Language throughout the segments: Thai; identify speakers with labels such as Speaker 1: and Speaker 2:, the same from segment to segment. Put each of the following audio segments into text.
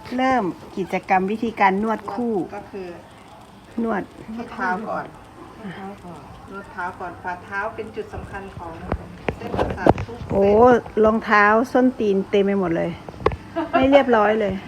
Speaker 1: เริ่มกิจกรรมวิธีการนวดคู่
Speaker 2: ก็คือน
Speaker 1: วด
Speaker 2: นวดเท้าก่อนนวดเท้าก่อนฝ่าเท้าเป็นจุดสำคัญของเส้นประสาททุกเส้น
Speaker 1: โอ้รองเท้าส้นตีนเต็มไปหมดเลย ไม่เรียบร้อยเลย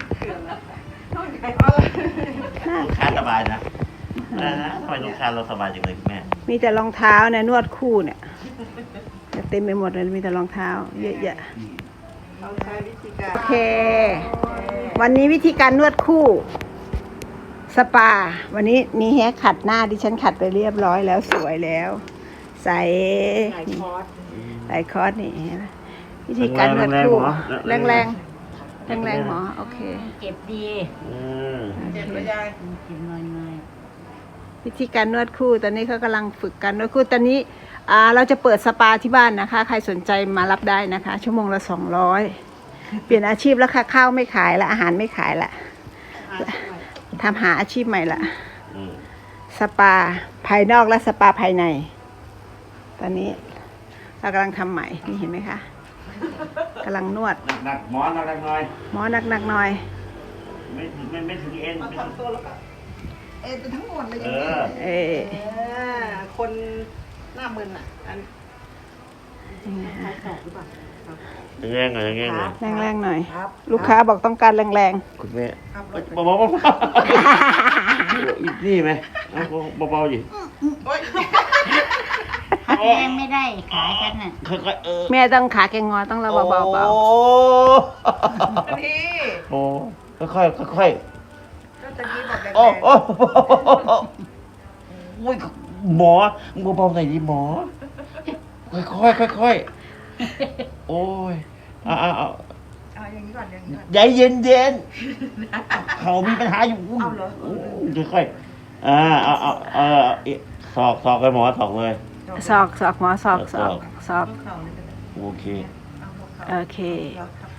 Speaker 1: น่า
Speaker 3: ลูกค้าสบายนะทำไมลูกค้าเราสบายจังเลยคุณแม่
Speaker 1: มีแต่รองเท้าเนี่ยนวดคู่เนี่ยเต็มไปหมดเลยมีแต่รองเท้าเยอะแยะ
Speaker 2: เราใช้วิธีการ
Speaker 1: โอเค วันนี้วิธีการนวดคู่สปาวันนี้นี่แฮะขัดหน้าดิฉันขัดไปเรียบร้อยแล้วสวยแล้ว ใส่
Speaker 2: หลายคอร์ส
Speaker 1: ใส่คอร์สนี่เห็นไหมวิธีการนวดคู่แรงแรงแรงแรงๆหมอโอเค
Speaker 4: เจ็บดี
Speaker 2: เจ็บไหมยาย
Speaker 4: เจ็บน้อย
Speaker 1: วิธีการนวดคู่ตอนนี้เขากำลังฝึกการนวดคู่ตอนนี้เราจะเปิดสปาที่บ้านนะคะ ใครสนใจมารับได้นะคะ ชั่วโมงละ200เปลี่ยนอาชีพแล้วค่ะข้าวไม่ขายละอาหารไม่ขายละทำหาอาชีพใหม่ละสปาภายนอกและสปาภายใน ตอนนี้เรากำลังทำใหม่นี่เห็นไหมคะกำลังนวด
Speaker 3: หนักหมอหนักหน่อย
Speaker 1: หมอหนักๆหน่อย
Speaker 3: ไม่ถึงเอ็น
Speaker 2: มาทำตัวแล้วก็เอ็นไปทั้งหมดเลยอย่าง
Speaker 3: เอ
Speaker 2: นี้
Speaker 3: อ
Speaker 2: คนหน้ามึนอ่ะอัน
Speaker 3: แง่งหน่อยแง่งหน่อย
Speaker 1: แรงๆหน่อย ลูกค้าบอกต้องการแรง
Speaker 3: คุณแม่เบาๆนี่ไหมเอาเบาๆอยู่
Speaker 2: โอ๊ย
Speaker 4: ๆพักแรงไม่ได้ขาฉันน่ะ
Speaker 3: ค่อยๆ
Speaker 1: ๆแม่ต้องขาแกงงอต้องระเบาๆ
Speaker 3: โอ้
Speaker 2: นี่
Speaker 3: โอ้ค่อย
Speaker 2: ก็จะกี้บอกแรง
Speaker 3: โอ้โอ้โอ้ยหมอมึงเบาๆหน่อยดิหมอค่อยๆโอ้ยเอา
Speaker 2: เอาอย่างนี้ก่อนอย่างนี้ก่อน
Speaker 3: ใจเย็นๆเขามีปัญหาอยู่
Speaker 2: เอาเหรอ
Speaker 3: ค่อยๆเอาสอกไปหมอสอกเลย
Speaker 1: ศอกหมอศอก
Speaker 2: เข่าเลยก็ได้
Speaker 3: โอเค
Speaker 2: เอาหัวเข่า
Speaker 1: โอเค
Speaker 2: เราท